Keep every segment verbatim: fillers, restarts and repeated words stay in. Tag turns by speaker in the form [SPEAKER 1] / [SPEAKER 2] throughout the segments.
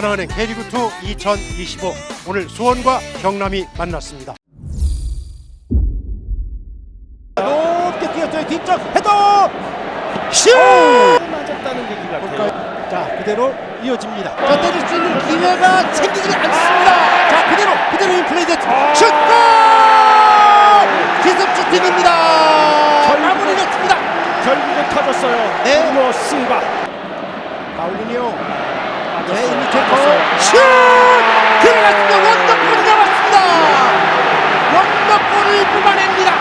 [SPEAKER 1] 하나은행 K리그투 이천이십오 오늘 수원과 경남이 만났습니다.
[SPEAKER 2] 높게 뛰었어요. 뒤쪽 헤더 슛!
[SPEAKER 3] 맞았다는 얘기 같아요.
[SPEAKER 2] 자 그대로 이어집니다. 자 때릴 수 있는 기회가 생기지 않습니다. 자 그대로 그대로 인플레이 됐 슛골! 기습 슈팅입니다. 마무리 됐습니다.
[SPEAKER 3] 결국은 터졌어요.
[SPEAKER 2] 네.
[SPEAKER 3] 브루노 실바.
[SPEAKER 2] 파울리니오. 네,
[SPEAKER 3] 맞았어요.
[SPEAKER 2] 이미테코
[SPEAKER 3] 맞았어요.
[SPEAKER 2] 슛! 들어갔습니다. 원더골이 나왔습니다. 원더골을 뽑아냅니다.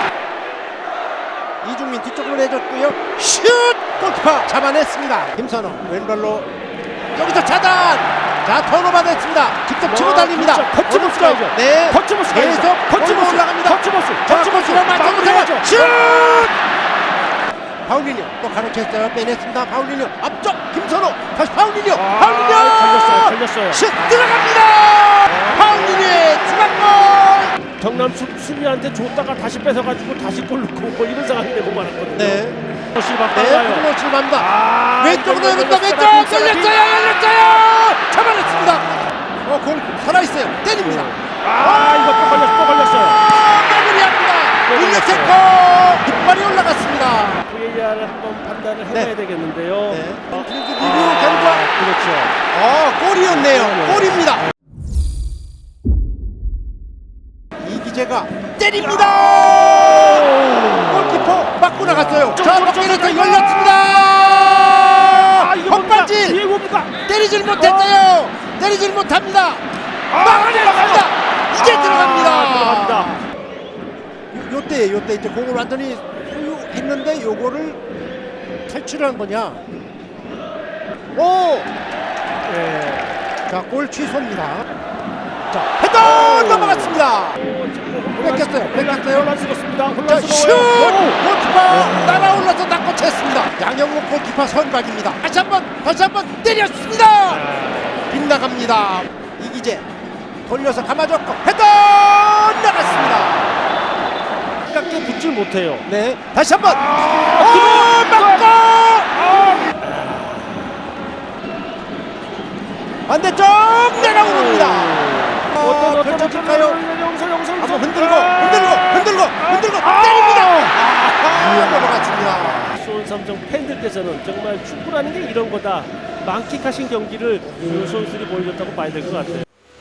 [SPEAKER 2] 이중민 뒤쪽으로 내줬고요. 슛! 골키퍼 잡아냈습니다. 김선호 왼발로 여기서 차단. 자 턴오버 됐습니다. 직접 치고
[SPEAKER 3] 와,
[SPEAKER 2] 달립니다.
[SPEAKER 3] 진짜 거침없이 가야죠.
[SPEAKER 2] 네.
[SPEAKER 3] 거침없이 가야죠.
[SPEAKER 2] 계속
[SPEAKER 3] 거침없이
[SPEAKER 2] 올라갑니다.
[SPEAKER 3] 거침없이.
[SPEAKER 2] 자,
[SPEAKER 3] 거침없이
[SPEAKER 2] 거침없이
[SPEAKER 3] 마무리해야죠.
[SPEAKER 2] 슛! 파울리니오 또 가로챘어요. 빼냈습니다. 파울리니오 앞쪽 김선호 다시 파울리니오.
[SPEAKER 3] 아,
[SPEAKER 2] 파울리니오
[SPEAKER 3] 걸렸어요. 걸렸어요.
[SPEAKER 2] 슛 들어갑니다. 파울리니오의 추가골.
[SPEAKER 3] 경남 수, 수비한테 줬다가 다시 뺏어가지고 다시 골 넣고 뭐 이런 상황이 되고 말았거든요.
[SPEAKER 2] 네.
[SPEAKER 3] 실바
[SPEAKER 2] 네,
[SPEAKER 3] 빨라요.
[SPEAKER 2] 브루노 실바입니다.
[SPEAKER 3] 아,
[SPEAKER 2] 왼쪽으로
[SPEAKER 3] 이거
[SPEAKER 2] 열린다.
[SPEAKER 3] 열렸어요.
[SPEAKER 2] 왼쪽
[SPEAKER 3] 열렸어요.
[SPEAKER 2] 열렸어요. 열렸어요. 잡아냈습니다. 어, 공 살아있어요. 때립니다.
[SPEAKER 3] 아, 이거 또 걸렸어. 또 걸렸어요.
[SPEAKER 2] 마무리합니다.
[SPEAKER 3] 또
[SPEAKER 2] 일루체코 깃발이 올라갔습니다.
[SPEAKER 3] 브이에이알을 한번 판단을 해봐야
[SPEAKER 2] 네.
[SPEAKER 3] 되겠는데요.
[SPEAKER 2] 네.
[SPEAKER 3] 어,
[SPEAKER 2] 리뷰
[SPEAKER 3] 아,
[SPEAKER 2] 결과
[SPEAKER 3] 그렇죠.
[SPEAKER 2] 어, 골이었네요.
[SPEAKER 3] 네.
[SPEAKER 2] 골입니다. 이기재가 때립니다. 골키퍼 맞고 나갔어요. 자, 밖에서 열렸습니다.
[SPEAKER 3] 아, 이거
[SPEAKER 2] 헛발질
[SPEAKER 3] 이게 뭡니까?
[SPEAKER 2] 때리질 못했어요. 때리질 못합니다.
[SPEAKER 3] 아,
[SPEAKER 2] 막아냅니다. 이제
[SPEAKER 3] 아,
[SPEAKER 2] 들어갑니다.
[SPEAKER 3] 들어갑니다.
[SPEAKER 2] 요, 요때 요때 이제 공을 완전히 소유했는데 요거를 탈출한 거냐? 오!
[SPEAKER 3] 네.
[SPEAKER 2] 자, 골 취소입니다. 자, 헤더 넘어갔습니다. 뺏겼어요. 뺏겼어요.
[SPEAKER 3] 혼란스럽습니다.
[SPEAKER 2] 자, 슛!
[SPEAKER 3] 혼란스러워요.
[SPEAKER 2] 골키퍼 날아올라서 닦고 챘습니다. 양영목 골키퍼 선박입니다. 다시 한번 다시 한번 때렸습니다. 빗나갑니다. 이기재 돌려서 감아줬고 헤더 나갔습니다.
[SPEAKER 3] 가깝게 붙질 못해요.
[SPEAKER 2] 네, 다시 한번.
[SPEAKER 3] 아,
[SPEAKER 2] 오, 막고 반대쪽 내려옵니다.
[SPEAKER 3] 어떤 어떤
[SPEAKER 2] 펼쳐질까요?
[SPEAKER 3] 영서 영서
[SPEAKER 2] 한번 흔들고 흔들고 흔들고 흔들고 때립니다. 아, 넘어갔습니다.
[SPEAKER 3] 수원 삼성 팬들께서는 정말 축구라는 게 이런 거다. 만끽하신 경기를 그 선수들이 보여줬다고 봐야 될 것 같아요.